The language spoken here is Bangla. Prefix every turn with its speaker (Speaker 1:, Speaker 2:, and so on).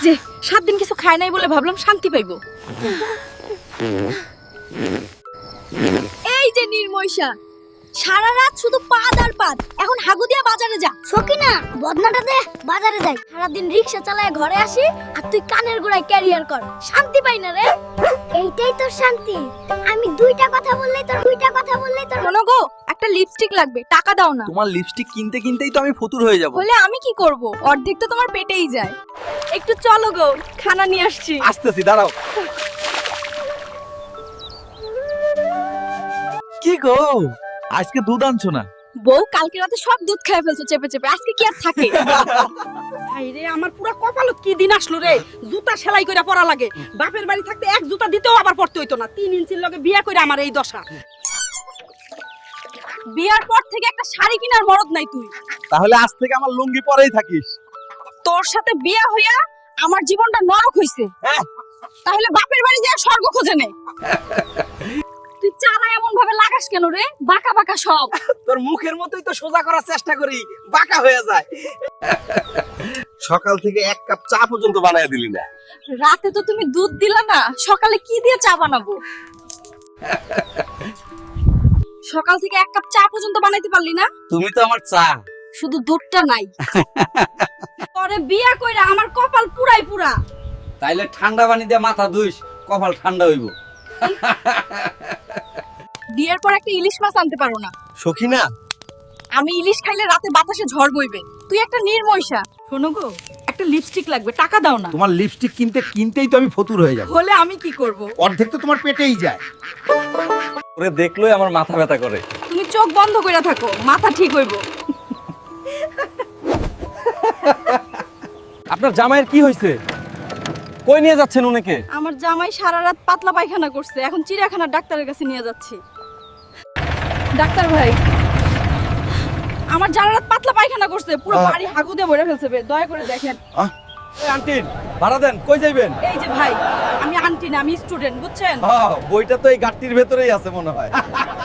Speaker 1: যে 7 দিন কিছু খায় নাই বলে ভাবলাম শান্তি পাইবো। এই যে নির্ময়সা, সারা রাত শুধু পাদ আর পাদ, এখন হাগু দিয়া বাজারে যা।
Speaker 2: সকিনা বদনাটা দে, বাজারে যাই। সারাদিন রিক্সা চালায় ঘরে আসি আর তুই কানের গোড়ায় ক্যারিয়ার কর, শান্তি পাই না রে। এইটাই তোর শান্তি? আমি দুইটা কথা বললেই তোর
Speaker 1: শোনো গো, একটা লিপস্টিক লাগবে, টাকা দাও না।
Speaker 3: তোমার লিপস্টিক কিনতে কিনতেই তো আমি ফতুর হয়ে যাব।
Speaker 1: বলে আমি কি করব, অর্ধেক তো তোমার পেটেই যায়। একটু চলো গো, খানা নিয়ে আসছি।
Speaker 3: আসতেছি, দাঁড়াও। কি গো, আজকে দুধ আনছো না?
Speaker 1: বউ কালকে রাতে সব দুধ খেয়ে ফেলছো চেপে চেপে, আজকে কি আর থাকে?
Speaker 4: ভাই রে, আমার পুরো কপালত কি দিন আসলো রে। জুতা সেলাই কইরা পরা লাগে, বাপের বাড়ি থাকতে এক জুতা দিতেও আবার পড়তে হইতো না। 3 ইঞ্চির লগে বিয়া কইরা আমার এই দশা।
Speaker 1: বিয়ার পর থেকে একটা শাড়ি কেনার মরদ নাই তুই।
Speaker 3: তাহলে আজ থেকে আমার লুঙ্গি পরেই থাকিস।
Speaker 1: তোর সাথে বিয়া হইয়া আমার জীবনটা নরক হইছে। তাহলে বাপের বাড়ি যায় স্বর্গ খোঁজে নে। তুই চারা এমন ভাবে লাগাস কেন রে, বাঁকা বাঁকা সব।
Speaker 3: তোর মুখের মতোই তো সোজা করার চেষ্টা করি, বাঁকা হয়ে যায়। সকাল থেকে 1 কাপ চা পর্যন্ত বানায় দিলি না।
Speaker 1: রাতে তো তুমি দুধ দিলা না, সকালে কি দিয়ে চা বানাবো? সকাল থেকে 1 কাপ চা পর্যন্ত বানাইতে পারলি না।
Speaker 3: তুমি তো আমার চা।
Speaker 1: শুধু দুধটা নাই। পরে বিয়া কইরা আমার কপাল পুরাই পুরা।
Speaker 5: তাইলে ঠান্ডা পানি দিয়ে মাথা ধুইস, কপাল ঠান্ডা হইব।
Speaker 1: বিয়ের পর একটা ইলিশ মাছ আনতে পারো না।
Speaker 3: সখিনা,
Speaker 1: আমি ইলিশ খাইলে রাতে বাতাসে ঝড় বইবে। তুই একটা নির্ময়সা।
Speaker 4: শোনো গো, একটা লিপস্টিক লাগবে, টাকা দাও না।
Speaker 3: তোমার লিপস্টিক কিনতেই তো আমি ফতুর হয়ে যাব।
Speaker 4: হলে আমি কি করব?
Speaker 3: অর্ধেক তো তোমার পেটেই যায়।
Speaker 5: ওরে দেখলোই আমার মাথা ব্যথা করে।
Speaker 1: তুমি চোখ বন্ধ কইরা থাকো, মাথা ঠিক হইব।
Speaker 5: আপনার জামাইয়ের কি হয়েছে? কই নিয়ে যাচ্ছেন উনাকে?
Speaker 1: আমার জামাই সারা রাত পাতলা পায়খানা করছে, এখন চিড়িয়াখানার ডাক্তারের কাছে নিয়ে যাচ্ছি। ডাক্তার ভাই, আমার সারা রাত পাতলা পায়খানা করছে, পুরো বাড়ি হাগু দিয়ে ভরে ফেলছে, দয়া করে দেখেন।
Speaker 5: এই আন্টি, ভাড়া দেন, কই যাইবেন?
Speaker 1: এই যে ভাই, আমি আন্টি না, আমি স্টুডেন্ট, বুঝছেন?
Speaker 5: বইটা তো এই গাট্টির ভেতরেই আছে মনে হয়।